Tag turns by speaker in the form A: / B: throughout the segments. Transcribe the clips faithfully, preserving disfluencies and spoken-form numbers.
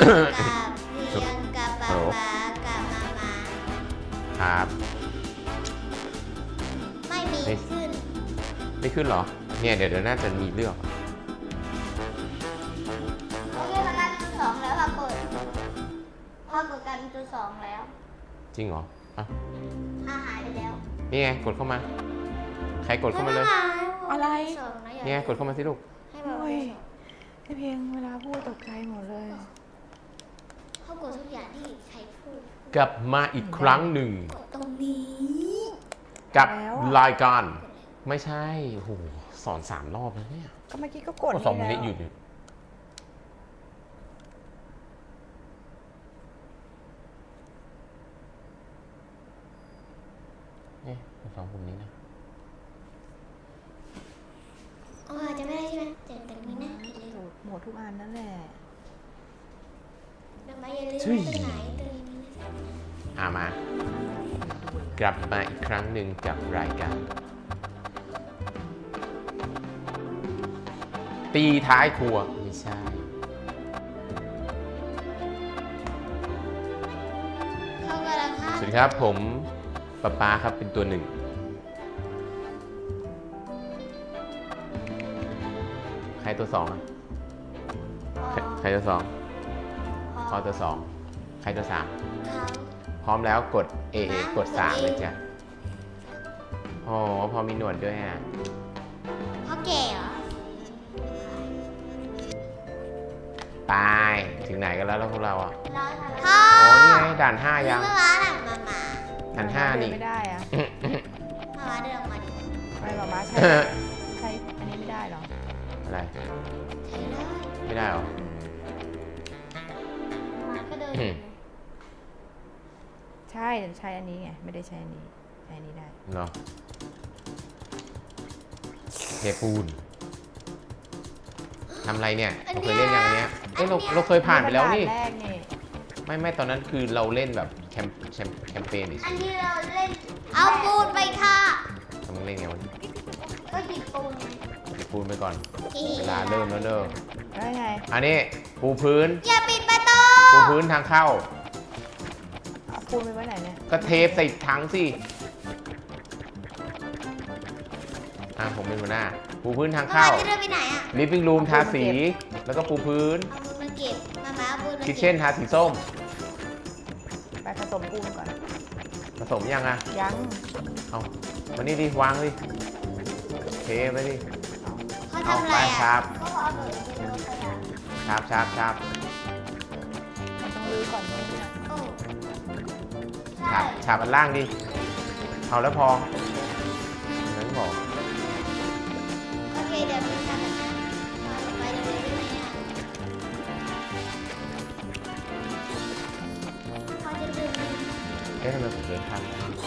A: เพียงกับป๊าป๊ากับมามา
B: ครับ
A: ไม่มีขึ้น
B: ไม่ขึ้นเหรอเนี่ยเดี๋ยวเดี๋ยวน่าจะมีเลือก
A: โอเคมากันจุดสองแล้วค่ะเปิดพอกดกันจุดสองแล้ว
B: จริงเหรออ่ะ
A: อาหายไปแล้ว
B: นี่ไงกดเข้ามา ใครกดเข้ามาเลย
C: อะไร
A: สองนะอย่า
B: นี่ไงกดเข้ามาสิลูก
A: ให้แบบ
C: โอ้ยไอเพียงเวลาพูดตกใจหมดเลย
A: เขากดทุกอย่างที่ใครพูด
B: กลับมาอีกครั้งหนึ่ง
A: กดตรงนี้
B: กับ
C: แล้วอะ
B: รายการไม่ใช่โอ้โหสอนสามรอบแล้วเนี่ย
C: ก็เมื่อกี้ก็กด
B: ก็สองมิ
C: แล้
B: นิ
C: ว
B: หยุดอยู่นี่สองปุ่มนี้นะ
A: อ๋อจะไม่ได้ใช่ไหมเจ็บตรงนี้นะอย่าลืม
C: หมดทุกอันนั่นแหละ
A: เดี๋ยวมาอย่าลืม
B: เฮ้ย
A: ตรงไหนตรงนี้นะ
B: อ่ามากลับมาอีกครั้งหนึ่งกับรายการตีท้ายครัวไม่ใช่
A: เข้ากำลังฆ่า
B: สวัสดีครับผมป๊าป๊าครับเป็นตัวหนึ่งใครตัวสองอะใครใครตัวสองพอตัวสองใครตัวสาม
A: เขา
B: พร้อมแล้วกด เอ เอ กดสามเลยจ้ะโอ้พอมีหนวดด้วยอ่ะ
A: เขาแก่เหรอ
B: ไปถึงไหนกันแล้วแล้วพวกเราอ่ะ
A: พ่อ
B: โอ้นี่ไงด่านห้ายัง
A: เมื่อวานหลังมามา
B: ด่านห้านี่
C: ไม่ได้อะ
A: มามาเดินออกมาดิ
C: ไม่หรอมาใช้ใช้อันนี้ไม่ได้หรอ
B: อะไร
A: ใช่เลย
B: ไม่ได้หรอ
A: มาก็เดิน
B: อืม
C: ใช่ใช้อันนี้ไงไม่ได้ใช้อันนี้ใช้อันนี้ได้
B: เนาะเทปูนทำอะไรเนี่ยเราเคยเล่นอย่างเนี้ยเอ้ยเราเราเคยผ่านไปแล้วนี่
C: แรกนี่
B: ไม่ไม่ตอนนั้นคือเราเล่นแบบแคมแคมแคมเปญดิ
A: อันที่เราเล่น เอาปูนไปค่ะ
B: ทำมึงเล่นไงวะ
A: ก็หยิบปูน
B: เทปูนไปก่อนเวลาเริ่มแล้วเด้อ
C: แล้วไง
B: อันนี้ปูพื้น
A: อย่าปิดประตู
B: ปูพื้นทางเข้า
C: เอาปูนไปไว้ไหนเนี่ย
B: ก็เทปใส่ถังสิอ่ะผมเป็นหัวหน้า ปูพื้นทาง
A: มา
B: เข้า
A: จะเดินไปไหนอ่ะ
B: ลิฟวิ่งรูมทาสี แล้วก็ปูพื้น
A: เอาปูนมาเก็บ มามาเอาปูนมา
B: คิ
A: เก็
B: ท
A: บ
B: เช่นทาสีส้ม
C: ไปผสมปูนก่อน
B: ผสมยังอ่ะ
C: ยัง
B: เอามานี่ดิ วางดิเทไปดิ
A: เขาทำอะไร
B: เอาไปครั
A: อ่ะ
B: บ
A: เขาเอาเบิร์ดเป็นรถขยะ
B: ชาบชาบชาบ
C: มันต้องรื้อก่อนเลย
A: โอ้
B: ฉา
A: ใช่
B: บฉาบอันล่างดิ เอาแล้วพอนั้นบอก
A: โอเคเดี๋ยวมีทำแบบนั้นมาไปเร็วๆได้ไหมอ่ะเขาจะเดินไป
B: เอ๊ะทำไมผมเดินทาง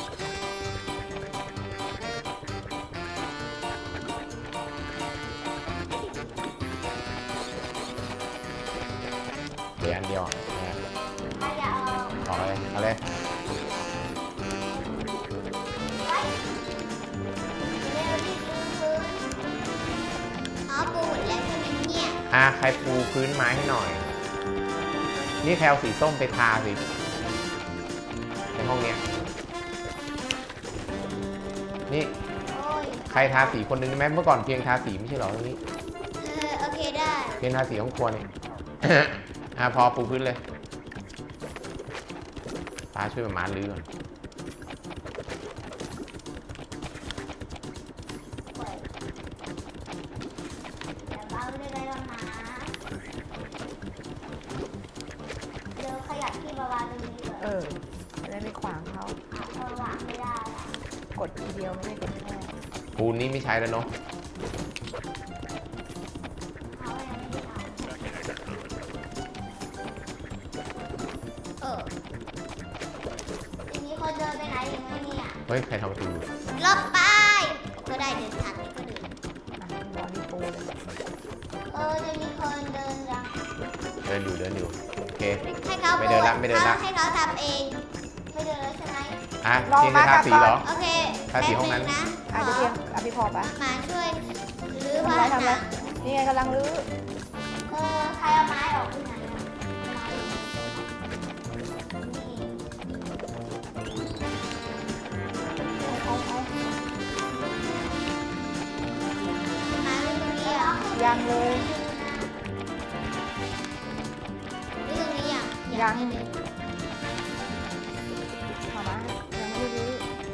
B: เดี๋ยวอันเดียวอ่ะเนี่ย
A: ใครจะเอา
B: ขอเลยเอาเลย
A: ไปเร็วรีบลื้อพื้นอ๋อปูหมดแล้วใช่ไหมเนี่ย
B: อ่ะใครปูพื้นไม้ให้หน่อย นี่แพลวสีส้มไปทาสิ ในห้องเนี้ย นี่
A: โอ้ย
B: ใครทาสีคนหนึงได้ไหมเมื่อก่อนเพียงทาสีไม่ใช่เหรอตรงนี้
A: เออโอเคได้
B: เพียงทาสีห้องครัวเนี่ย อ่ะพอปูพื้นเลยป้าช่วยมามาลื้อก่อน
A: เปิดแต่เบาได้ไหมล่ะหมาเดี๋ยวขยับที่มาวางตรงนี้เลย
C: เออจะได้ไม่ขวางเขา
A: อ่ะเอาวางไม่ได้ละ
C: กดทีเดียวไม่ได้กดแค่
B: ปูนนี้ไม่ใช้แล้วเนาะ
A: เอายังไม่ได้เอาเออทีนี้คนเดินไปไหนอีกไหมเนี่ย
B: เฮ้ย ใครทำประตู
A: ลบไปก็ได้เดินทางนี้ก็เดิน
C: อ่ะรอรีปูเลย
A: เออจะมีคนเดินรัง
B: เดินอยู่เดินอยู่ โอเค
A: ให้เขา
B: ไม่เดินละไม่เดินละ
A: ให้เขาทำเองไม่เดินแล้วใช่ไหม
B: อ่ะเพียงจะทาสีเหรอ
A: โอเค
B: ทาสีห้องนั้น
A: แป๊บงนะ
C: อาจจะเพียงอภิพอปะ
A: มาช่วยรื้อ
C: ทำ
A: ผ้า
C: ไรทำไร
A: หนัง
C: นี่ไงกำลังรื้อ
A: เออใครเอาไม้ออกที่ไหนอะไม้
C: ยังเลย
A: เรื่องนี้ยัง
C: ยัง
A: ไม่เลย
C: มามายังไม่ได้รื้อ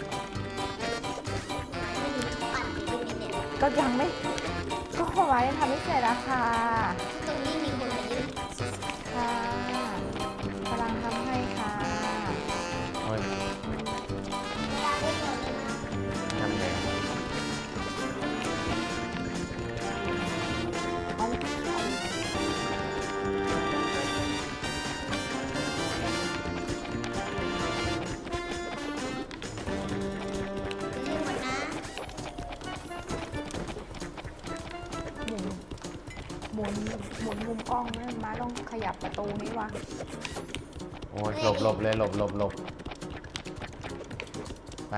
A: ไม่มีปั่นอยู่ในเน็ต
C: ก็ยังไม่ก็มามายังทำไม่เสร็จอะค่ะ
A: ตรงนี้มีคนมายืน
C: ค่ะกำลังทำให้ค่ะ
B: โอ้ย
A: เวลาได้ก่อนเลยนะ
B: ทำไง
C: เอา
A: เรื่องหมดนะ
C: หมุนหมุนหมุนมุมกล้องนะมาต้องขยับประตูนี้วะ
B: โอ้ยหลบหลบเลยหลบหลบหลบไป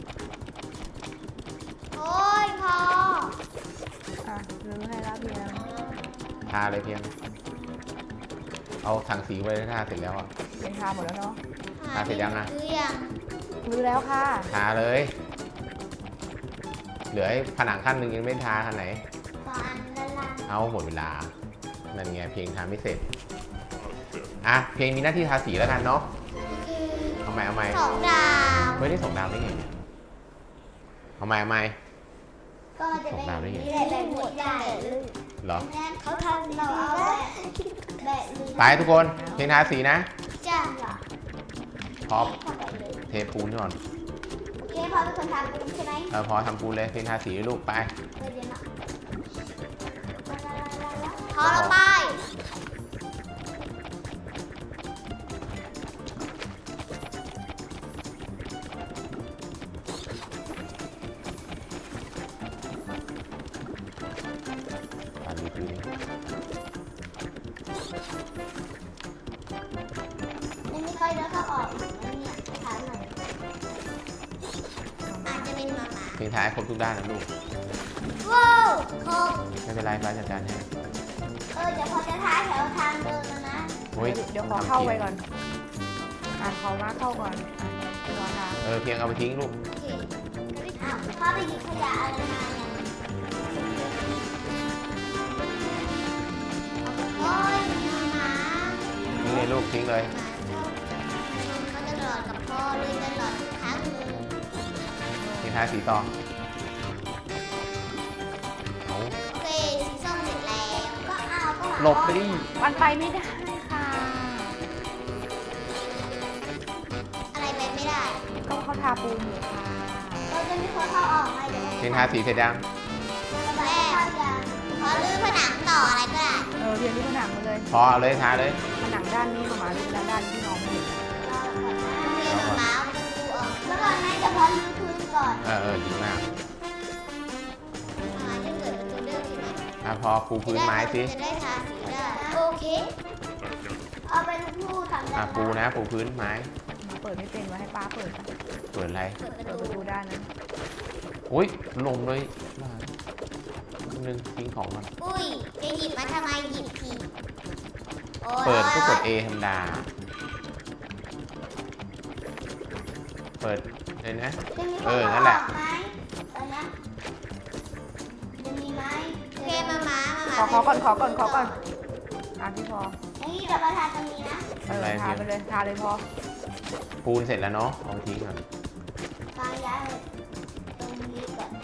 A: โอ้ยพอ
C: อ่ะรื้อให้แล้วเพียง
B: ทาเลยเพียง เอาถังสีไว้ทาเสร็จแล้วอ่ะ
C: เป็นทาหมดแล้วเนาะ
B: ทาเสร็จยังอะ
A: คือยัง
C: รื้อแล้วค่ะ
B: ทาเลย เหลือไอ้ผนังขั้นหนึ่งยังไม่ทาขั้นไหน
A: ตอนละลาย
B: เอาหมดเวลา นั่นไงเพลงทาไม่เสร็จ อ่ะ เพลงมีหน้าที่ทาสีแล้วกันเนาะ
A: คือ
B: เอาใหม่เอาใหม่
A: สองดาว
B: ไม่ได้ส่งดาวได้ไงเนี่ยเอาใหม่เอาใหม่
A: ก็มันจะเป็น
B: สองดาวได้ไง
A: แบบแบบหมดได้
B: เหรอ
A: เขาทำเราเอาแบบแบบนี้
B: ไปทุกคน เพลงทาสีนะ
A: จ้าเหรอ
B: พร้อม
A: เข้าไปเลย
B: เทปูนก่อน
A: โอเคพอเป็นคนทำเป็นใช่ไหม
B: เออพอทำปูนเลย เพลงทาสีลูกไป
A: เดี๋ยวนะพอลงไป
B: ตามนี้ปูน
A: ไม่มีใครเดินเข้าออกนะเนี่ยถามหน่อยอาจจะเป็นหมาหมา
B: เพลงทาให้ครบทุกด้านนะลูก
A: ว้าวคง
B: ไม่เป็นไรฟ้าจัดการให้
A: เออเดี๋ยวพอจะท้ายแถวทางเดินแล้วนะ
B: โอ้ย
C: เดี๋ยวขอเข้าไปก่อน อ่ะขอมาเข้าก่อนอ่ะรอทาง
B: เออ เพียงเอาไปทิ้งลูก
A: โอเคอ้าวพ่อไปหยิบขยะอะไรมาเนี่ยโอ้ยหมา
B: ทิ้งเลยลูกทิ้งเลย
A: เขาจะหลอดกับพ่อเลยจะหลอดทุกครั้งเลย
B: เพลงทาสีต่อเอา
A: โอเคสีส้มเสร็จแล้วก็เอาก็
B: หลบไปดิ
C: มันไปไม่ได้ค่ะ
A: อะไรไปไม่ได้
C: ก็เขาทาปูนอยู่ค่ะ
A: เราจะมีคนเข้าออกไหมเดี๋ยว
B: เพลงทาสีเสร็จยัง
A: แม่ขอลื้อผนังต่ออะไรก็ได้
C: เออเรียนที่ผนังมาเลย
B: พอเอาเลยทาเลย
C: ผนังด้านนี้มาหมาดูด้านด้านที่น้องไม่เห็น
A: รอก่อนนะเรียนหมาประตูออกแล้วก่อนนะจะพอลื้อพื้นก่อน
B: เออเออดีมาก
A: หมาจะเกิดประตูเดิมใช่ไหม
B: อ่ะพอปูพื้นไม้สิ
A: จะได้ทาสีได้โอเคเอาไปลูกผู้ทำได้
B: อ่ะปูนะปูพื้นไม้
C: หมาเปิดไม่เป็นไว้ให้ป้าเปิดค่ะ
B: เปิดอะไร
A: เปิดประ
C: เปิด
A: ตู
C: ประตูด้านนั้น
B: อุ้ยลงเลยนึงทิ้งของก่อน
A: อุ้ยจะหยิบมาทำไมหยิบผิดโอ้ย
B: เปิดก็กด A ธรรมดา เปิดเลยนะ
A: จะมีคน
B: เออนั่นแหละ
A: ออกไหมตอนเนี้ยจะมีไหมโอเคมามามา
C: ขอขอก่อนขอก่อนขอก่อนอ่ะพี่พอ
A: อย่างนี้เดี๋ยวประธานตรงนี้นะ
C: เออทาไปเลยทาเลยพอ
B: ปูนเสร็จแล้วเนาะเอาไปทิ้งก่อน
A: วางย้ายเลยตรงนี้ก่อน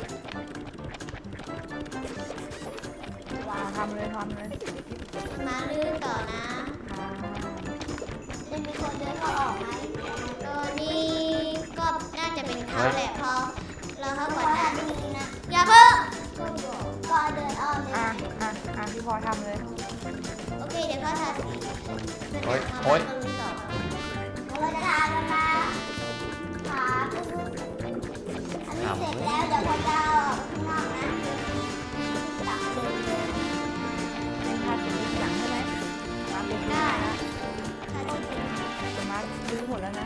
A: วา
C: อ่ะ
A: ง
C: ทำเลยทำเลย
A: มาลื้อต่อนะ
C: อ่า
A: จะมีคนเดินเข้าออกไหมตัวนี้ก็น่าจะเป็นเขาแหละพอเราเข้าก่อนนะอย่าเพิ่งก็เดินอ้อมเลย
C: อ่ะอ่ะอ่ะพี่พอทำเลย
A: โอเคเดี๋ยวเขาทาสี
B: โอ๊ยโอ๊ย
A: เราจะทาแล้วนะขาอันนี้เสร็จแล้วเดี๋ยวพอจะเอาออกข้างนอกนะตักเลยเลย
C: เป็นทาสีหลังใช่ไหมมาเป็น
A: ได้
C: ได้
A: ทาสี
C: แต่มาซื้อหมดแล้วนะ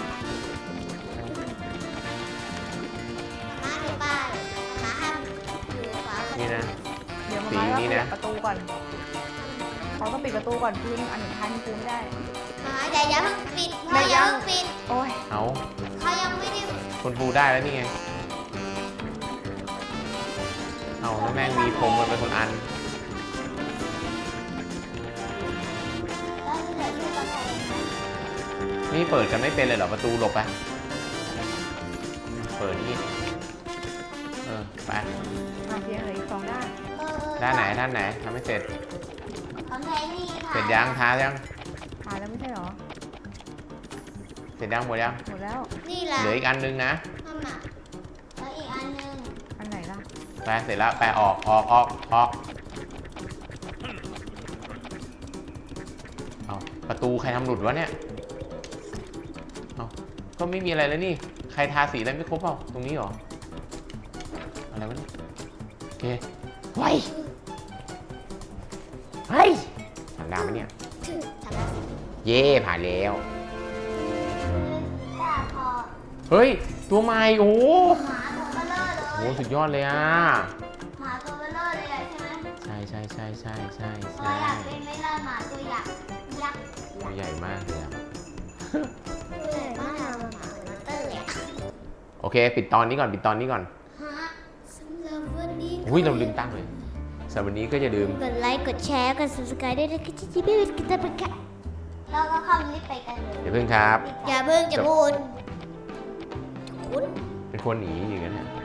A: มาดูป้ายมาห้ามอยู่ขวา
B: นี่นะ
C: เดี๋ยวมา
B: สี
C: มา
B: นี่
C: แล้ว
B: นะ
C: ปิดประตูก่อนเขาต้องปิดประตูก่อนพื้นอันหนึ่งทันปูไม่ได้
A: มาอย่าอย่าเพิ่งปิดพ่ออย่าเพิ่งปิด
C: โอ้ย
B: เอา
A: เขายังไม่ได้
B: คุณปูได้แล้วนี่ไง เอาแล้วแม่งมีพรมมันเป็นคนอันนี่เปิดกันไม่เป็นเลยเหรอประตูหลบไปเปิดนี่เออไป
C: อ่ะเพียงเหลืออีกสองด้าน
A: เออ
B: ด้านไหนด้านไหนทำไม่เสร็จ
A: ของไทยนี่ค่ะ
B: เสร็จยังท้ายัง
C: ถ่ายแล้วไม่ใช่เหรอ
B: เสร็จยังหมดยัง
C: หมดแล้ว
A: นี่แหละ
B: เหลืออีกอันนึงนะ
A: ทำอ่ะแล้วอีกอันหนึง
C: อันไหนล่ะ
B: ไปเสร็จแล้วไปออกออกออกออกเอาประตูใครทำหลุดวะเนี่ยเอาก็ไม่มีอะไรแล้วนี่ใครทาสีอะไรไม่ครบเปล่าตรงนี้เหรออะไรวะเนี่ยโอเคไว้เฮ้ยผ่านดาวไหมเนี่ย
A: ถึงทำแล้ว
B: เย่ผ่านแล้ว
A: จ้าพอ
B: เฮ้ยตัวใหม่โอ้โห
A: หมาตัวเบลเลอร์เลย
B: โอ้สุดยอดเลยอ่ะ
A: หมาตัวเบลเลอร์เลยอะใช่ไหม
B: ใช่ใช่ใช่ใช่ใช่
A: พอ
B: ใช่
A: อยากเป็นไหม่ล่ะหมาตัวยักษ์ยักษ์
B: ตัวใหญ่มากเลยอ่ะ
A: ตัวใหญ่มากอะหมาเหมือนมอเตอร์เลยอะ
B: โอเค ปิดตอนนี้ก่อนปิดตอนนี้ก่อน
A: ฮะสำหรับวันนี้
B: อุ้ยเราลืมตั้งเลยสำหรับวันนี้ก็จะลืม
A: กดไลค์กดแชร์กด subscribe ด้วยนะคะที่ไม่เป็นกิจกรรมค่ะเราก็เข้าลิฟต์ไปกันเลย
B: อย่าเพิ่งครับ
A: อย่าเพิ่งจะพูดคุณ
B: เป็นคนหนีอย่างนั้นเนี่ย